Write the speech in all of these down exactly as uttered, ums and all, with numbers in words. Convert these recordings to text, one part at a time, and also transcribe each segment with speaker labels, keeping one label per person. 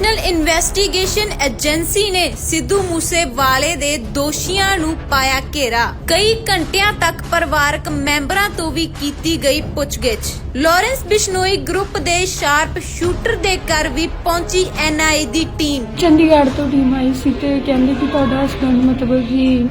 Speaker 1: National Investigation agency ਨੇ ਸਿੱਧੂ ਮੂਸੇਵਾਲੇ ਦੇ ਦੋਸ਼ੀਆਂ ਨੂੰ ਪਾਇਆ ਘੇਰਾ। ਕਈ ਘੰਟਿਆਂ ਤੱਕ ਪਰਿਵਾਰਕ ਮੈਂਬਰਾਂ ਤੋਂ ਵੀ ਕੀਤੀ ਗਈ ਪੁੱਛਗਿੱਛ। ਲਾਰੈਂਸ ਬਿਸ਼ਨੋਈ ਗਰੁੱਪ ਦੇ ਸ਼ਾਰਪ ਸ਼ੂਟਰ ਦੇ ਘਰ ਵੀ ਪਹੁੰਚੀ ਐਨ ਆਈ ਦੀ ਟੀਮ।
Speaker 2: ਚੰਡੀਗੜ੍ਹ ਤੋਂ ਟੀਮ ਆਈ ਸੀ ਤੇ ਕਹਿੰਦੇ ਕਿ ਤੁਹਾਡਾ ਹਸਬੈਂਡ ਮਤਲਬ ਕਿ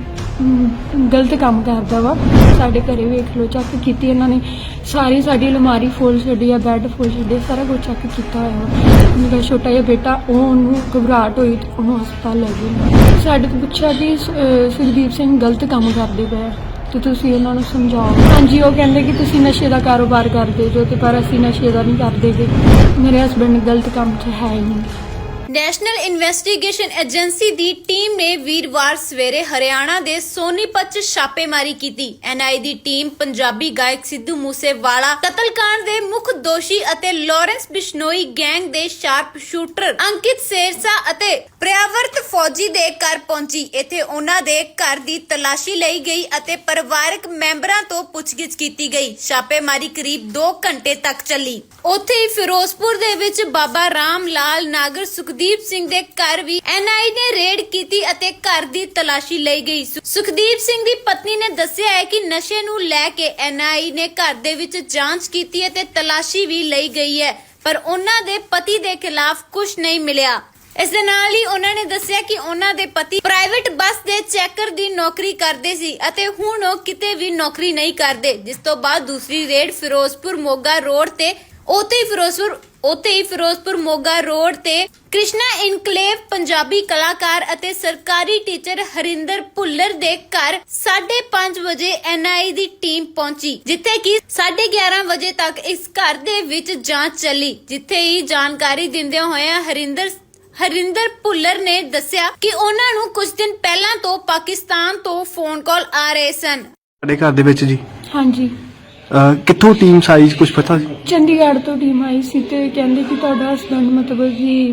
Speaker 2: ਗਲਤ ਕੰਮ ਕਰਦਾ ਵਾ, ਸਾਡੇ ਘਰੇ ਵੇਖ ਲਓ, ਚੈੱਕ ਕੀਤੀ ਇਹਨਾਂ ਨੇ, ਸਾਰੀ ਸਾਡੀ ਅਲਮਾਰੀ ਫੋਲ ਛੱਡੀ ਆ, ਬੈੱਡ ਫੋਲ ਛੱਡੇ, ਸਾਰਾ ਕੁਝ ਚੈੱਕ ਕੀਤਾ ਹੋਇਆ ਵਾ। ਮੇਰਾ ਛੋਟਾ ਜਿਹਾ ਬੇਟਾ, ਉਹ ਉਹਨੂੰ ਘਬਰਾਹਟ ਹੋਈ ਤੇ ਉਹਨੂੰ ਹਸਪਤਾਲ ਲੈ ਗਏ। ਸਾਡੇ ਤੋਂ ਪੁੱਛਿਆ ਕਿ ਅਹ ਸੁਖਦੀਪ ਸਿੰਘ ਗਲਤ ਕੰਮ ਕਰਦੇ ਪਏ ਤੇ ਤੁਸੀਂ ਉਹਨਾਂ ਨੂੰ ਸਮਝਾਓ। ਹਾਂਜੀ, ਉਹ ਕਹਿੰਦੇ ਕਿ ਤੁਸੀਂ ਨਸ਼ੇ ਦਾ ਕਾਰੋਬਾਰ ਕਰਦੇ ਜੋ, ਤੇ ਪਰ ਅਸੀਂ ਨਸ਼ੇ ਦਾ ਨਹੀਂ ਕਰਦੇ ਗੇ। ਮੇਰੇ ਹਸਬੈਂਡ ਗਲਤ ਕੰਮ 'ਚ ਹੈ ਹੀ ਨਹੀਂ।
Speaker 1: ਨੈਸ਼ਨਲ ਇਨਵੈਸਟੀਗੇਸ਼ਨ ਏਜੰਸੀ ਦੀ ਟੀਮ ਨੇ ਵੀਰਵਾਰ ਸਵੇਰੇ ਹਰਿਆਣਾ ਦੇ ਸੋਨੀਪਤ 'ਚ ਛਾਪੇਮਾਰੀ ਕੀਤੀ। ਐਨ ਆਈ ਦੀ ਟੀਮ ਪੰਜਾਬੀ ਗਾਇਕ ਸਿੱਧੂ ਮੂਸੇਵਾਲਾ ਕਤਲकांड ਦੇ ਮੁੱਖ ਦੋਸ਼ੀ ਅਤੇ ਲਾਰੈਂਸ ਬਿਸ਼ਨੋਈ ਗੈਂਗ ਦੇ ਸ਼ਾਰਪ ਸ਼ੂਟਰ ਅੰਕਿਤ ਸੇਰਸਾ ਅਤੇ ਪ੍ਰਿਆਵਰਤ ਫੌਜੀ ਦੇ ਘਰ ਪਹੁੰਚੀ। ਇੱਥੇ ਉਹਨਾਂ ਦੇ ਘਰ ਦੀ ਤਲਾਸ਼ੀ ਲਈ ਗਈ ਅਤੇ ਪਰਿਵਾਰਕ ਮੈਂਬਰਾਂ ਤੋਂ ਪੁੱਛਗਿੱਛ ਕੀਤੀ ਗਈ। ਛਾਪੇਮਾਰੀ ਕਰੀਬ ਦੋ ਘੰਟੇ ਤੱਕ ਚੱਲੀ। ਉੱਥੇ ਹੀ ਫਿਰੋਜ਼ਪੁਰ ਦੇ ਵਿੱਚ ਬਾਬਾ ਰਾਮ ਲਾਲ ਨਾਗਰ ਸੁਖਦੀਪ ਸਿੰਘ ਦੇ ਘਰ ਵੀ ਐਨ ਆਈ ਨੇ ਰੇਡ ਕੀਤੀ ਅਤੇ ਘਰ ਦੀ ਤਲਾਸ਼ੀ ਲਈ ਗਈ। ਸੁਖਦੀਪ ਸਿੰਘ ਦੀ ਪਤਨੀ ਨੇ ਦੱਸਿਆ ਹੈ ਕਿ ਨਸ਼ੇ ਨੂੰ ਲੈ ਕੇ ਐਨ ਆਈ ਨੇ ਘਰ ਦੇ ਵਿੱਚ ਜਾਂਚ ਕੀਤੀ ਅਤੇ ਤਲਾਸ਼ੀ ਵੀ ਲਈ ਗਈ ਹੈ, ਪਰ ਉਹਨਾਂ ਦੇ ਪਤੀ ਦੇ ਖਿਲਾਫ ਕੁਝ ਨਹੀਂ ਮਿਲਿਆ। ਇਸ ਦੇ ਨਾਲ ਹੀ ਉਹਨਾਂ ਨੇ ਦੱਸਿਆ ਕਿ ਉਹਨਾਂ ਦੇ ਪਤੀ ਪ੍ਰਾਈਵੇਟ ਬੱਸ ਦੇ ਚੈਕਰ ਦੀ ਨੌਕਰੀ ਕਰਦੇ ਸੀ ਅਤੇ ਹੁਣ ਉਹ ਕਿਤੇ ਵੀ ਨੌਕਰੀ ਨਹੀਂ ਕਰਦੇ। ਜਿਸ ਤੋਂ ਬਾਅਦ ਦੂਸਰੀ ਰੇਡ ਫਿਰੋਜ਼ਪੁਰ ਮੋਗਾ ਰੋਡ ਤੇ ਉੱਥੇ ਹੀ ਫਿਰੋਜ਼ਪੁਰ ਉੱਥੇ ਹੀ ਫਿਰੋਜ਼ਪੁਰ ਮੋਗਾ ਰੋਡ ਤੇ ਕ੍ਰਿਸ਼ਨਾ ਇਨਕਲੇਵ ਪੰਜਾਬੀ ਕਲਾਕਾਰ ਅਤੇ ਸਰਕਾਰੀ ਟੀਚਰ ਹਰਿੰਦਰ ਭੁੱਲਰ ਦੇ ਘਰ ਸਾਢੇ ਪੰਜ ਵਜੇ ਐਨ ਆਈ ਦੀ ਟੀਮ ਪਹੁੰਚੀ, ਜਿੱਥੇ ਕਿ ਸਾਢੇ ਗਿਆਰਾਂ ਵਜੇ ਤੱਕ ਇਸ ਘਰ ਦੇ ਵਿੱਚ ਜਾਂਚ ਚੱਲੀ। ਜਿੱਥੇ ਹੀ ਜਾਣਕਾਰੀ ਦਿੰਦਿਆਂ ਹੋਇਆਂ ਹਰਿੰਦਰ ਹਰਿੰਦਰ ਭੁੱਲਰ ਨੇ ਦੱਸਿਆ ਕਿ ਉਹਨਾਂ ਨੂੰ ਕੁਝ ਦਿਨ ਪਹਿਲਾਂ ਤੋਂ ਪਾਕਿਸਤਾਨ ਤੋਂ ਫੋਨ ਕਾਲ ਆ ਰਹੇ ਸਨ।
Speaker 3: ਸਾਡੇ ਘਰ ਦੇ ਵਿੱਚ ਜੀ
Speaker 2: ਹਾਂਜੀ,
Speaker 3: ਅਹ ਕਿੱਥੋਂ ਟੀਮ ਸਾਈਜ਼ ਕੁਝ ਪਤਾ ਜੀ?
Speaker 2: ਚੰਡੀਗੜ੍ਹ ਤੋਂ ਟੀਮ ਆਈ ਸੀ ਤੇ ਕਹਿੰਦੇ ਕਿ ਤੁਹਾਡਾ ਹਸਬੈਂਡ ਮਤਲਬ ਕਿ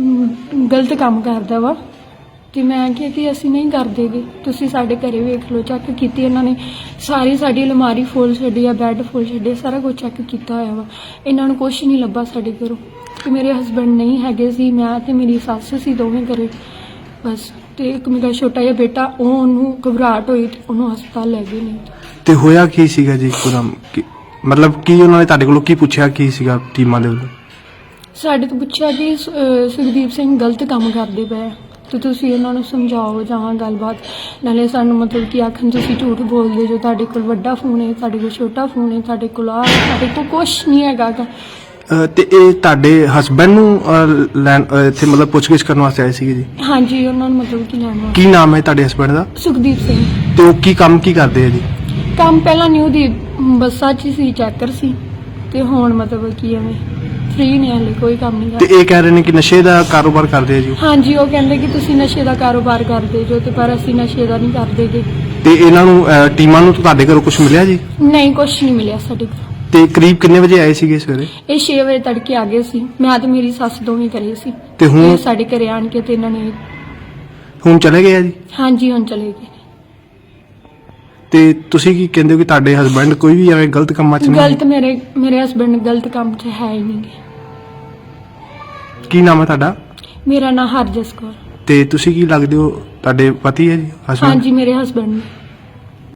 Speaker 2: ਅਮ, ਗਲਤ ਕੰਮ ਕਰਦਾ ਵਾ, ਤੇ ਮੈਂ ਕਿਹਾ ਕਿ ਅਸੀਂ ਨਹੀਂ ਕਰਦੇਗੇ, ਤੁਸੀਂ ਸਾਡੇ ਘਰੇ ਵੇਖ ਲਓ। ਚੈੱਕ ਕੀਤੀ ਇਹਨਾਂ ਨੇ, ਸਾਰੀ ਸਾਡੀ ਅਲਮਾਰੀ ਫੋਲ ਛੱਡੀ ਆ, ਬੈੱਡ ਫੋਲ ਛੱਡੇ, ਸਾਰਾ ਕੁਝ ਚੈੱਕ ਕੀਤਾ ਹੋਇਆ ਵਾ। ਇਹਨਾਂ ਨੂੰ ਕੁਝ ਨਹੀਂ ਲੱਭਾ ਸਾਡੇ ਘਰੋਂ, ਤੇ ਮੇਰੇ ਹਸਬੈਂਡ ਨਹੀਂ ਹੈਗੇ ਸੀ, ਮੈਂ ਤੇ ਮੇਰੀ ਸੱਸ ਸੀ ਦੋਵੇਂ ਘਰੇ ਬਸ। ਤੇ ਇੱਕ ਮੇਰਾ ਛੋਟਾ ਜਿਹਾ ਬੇਟਾ, ਉਹ ਉਹਨੂੰ ਘਬਰਾਹਟ ਹੋਈ ਤੇ ਉਹਨੂੰ ਹਸਪਤਾਲ ਲੈ ਗਏ ਨੇ।
Speaker 3: ਤੇ ਹੋਇਆ ਕੀ ਸੀਗਾ ਜੀ ਇੱਕਦਮ? ਕੀ- ਮਤਲਬ ਕੀ ਉਹਨਾਂ ਨੇ ਤੁਹਾਡੇ ਕੋਲੋਂ ਕੀ ਪੁੱਛਿਆ, ਕੀ ਸੀਗਾ ਟੀਮਾਂ ਦੇ ਵੱਲੋਂ?
Speaker 2: ਸਾਡੇ ਤੋਂ ਪੁੱਛਿਆ ਕਿ ਸੁ- ਅਹ ਸੁਖਦੀਪ ਸਿੰਘ ਗਲਤ ਕੰਮ ਕਰਦੇ ਪਏ ਤੇ ਤੁਸੀਂ ਉਹਨਾਂ ਨੂੰ ਸਮਝਾਓ ਜਾਂ ਗੱਲਬਾਤ। ਨਾਲੇ ਸਾਨੂੰ ਮਤਲਬ ਕਿ ਆਖਣ ਤੁਸੀਂ ਝੂਠ ਬੋਲਦੇ ਜੋ, ਤੁਹਾਡੇ ਕੋਲ ਵੱਡਾ ਫੋਨ ਹੈ, ਤੁਹਾਡੇ ਕੋਲ ਛੋਟਾ ਫੋਨ ਹੈ, ਤੁਹਾਡੇ ਕੋਲ ਆ, ਸਾਡੇ ਕੋਲ ਕੁਛ ਨਹੀਂ ਹੈਗਾ ਗਾ।
Speaker 3: ਅਹ ਤੇ ਇਹ ਤੁਹਾਡੇ ਹਸਬੈਂਡ ਨੂੰ ਅਹ, ਲੈਣ ਅਹ, ਇੱਥੇ ਮਤਲਬ ਪੁੱਛਗਿੱਛ ਕਰਨ ਵਾਸਤੇ ਆਏ ਸੀਗੇ ਜੀ?
Speaker 2: ਹਾਂਜੀ, ਉਹਨਾਂ ਨੂੰ ਮਤਲਬ ਕਿ ਲੈਣਾ।
Speaker 3: ਕੀ ਨਾਮ ਹੈ ਤੁਹਾਡੇ ਹਸਬੈਂਡ ਦਾ?
Speaker 2: ਸੁਖਦੀਪ ਸਿੰਘ।
Speaker 3: ਤੇ ਉਹ ਕੀ ਕੰਮ ਕੀ ਕਰਦੇ ਆ ਜੀ?
Speaker 2: ਕੰਮ ਪਹਿਲਾਂ ਨਿਊ ਦੀ ਬੱਸਾਂ 'ਚ ਸੀ, ਚੈਕਰ ਸੀ, ਤੇ ਹੁਣ ਮਤਲਬ ਕੀ ਐਵੇਂ ਫ੍ਰੀ ਨੇ, ਹਲੇ ਕੋਈ ਕੰਮ ਨਹੀਂ
Speaker 3: ਤੇ
Speaker 2: ਕਰਦਾ।
Speaker 3: ਇਹ ਕਹਿ ਰਹੇ ਨੇ ਕਿ ਨਸ਼ੇ ਦਾ ਕਾਰੋਬਾਰ ਕਰਦੇ ਆ ਜੀ?
Speaker 2: ਹਾਂਜੀ, ਉਹ ਕਹਿੰਦੇ ਕਿ ਤੁਸੀਂ ਨਸ਼ੇ ਦਾ ਕਾਰੋਬਾਰ ਕਰਦੇ ਜੋ, ਤੇ ਪਰ ਅਸੀਂ ਨਸ਼ੇ ਦਾ ਨਹੀਂ ਕਰਦੇਗੇ।
Speaker 3: ਤੇ ਇਹਨਾਂ ਨੂੰ ਅਹ, ਟੀਮਾਂ ਨੂੰ ਤੁਹਾਡੇ ਘਰੋਂ ਕੁਝ ਮਿਲਿਆ ਜੀ?
Speaker 2: ਨਹੀਂ, ਕੁਛ ਨਹੀਂ ਮਿਲਿਆ ਸਾਡੇ ਕੋਲ।
Speaker 3: ਤੇ ਕਰੀਬ ਕਿੰਨੇ ਵਜੇ ਆਏ ਸੀਗੇ ਸਵੇਰੇ?
Speaker 2: ਇਹ ਛੇ ਵਜੇ ਤੜਕੇ ਆ ਗਏ ਸੀ, ਮੈਂ ਤੇ ਮੇਰੀ ਸੱਸ ਦੋਵੇਂ ਘਰੇ ਸੀ।
Speaker 3: ਤੇ ਹੁਣ?
Speaker 2: ਤੇ ਸਾਡੇ ਘਰੇ ਆਣ ਕੇ ਤੇ ਇਹਨਾਂ ਨੇ
Speaker 3: ਹੁਣ ਚਲੇ ਗਏ ਆ ਜੀ?
Speaker 2: ਹਾਂਜੀ, ਹੁਣ ਚਲੇ ਗਏ।
Speaker 3: ਤੇ ਤੁਸੀਂ ਕੀ ਕਹਿੰਦੇ ਹੋ ਕਿ ਤੁਹਾਡੇ ਹਸਬੈਂਡ ਕੋਈ ਵੀ ਐਵੇਂ ਗਲਤ ਕੰਮਾਂ 'ਚ ਨਹੀਂ?
Speaker 2: ਗਲਤ ਮੇਰੇ ਮੇਰੇ ਹਸਬੈਂਡ ਗਲਤ ਕੰਮ 'ਚ ਹੈ ਹੀ ਨਹੀਂ।
Speaker 3: ਕੀ ਨਾਮ ਹੈ ਤੁਹਾਡਾ?
Speaker 2: ਮੇਰਾ ਨਾਂ ਹਰਜਸ ਕੌਰ।
Speaker 3: ਤੇ ਤੁਸੀਂ ਕੀ ਲੱਗਦੇ ਹੋ? ਤੁਹਾਡੇ ਪਤੀ ਹੈ ਜੀ, ਹਸਬੈਂਡ?
Speaker 2: ਹਾਂਜੀ, ਮੇਰੇ ਹਸਬੈਂਡ ਨੇ।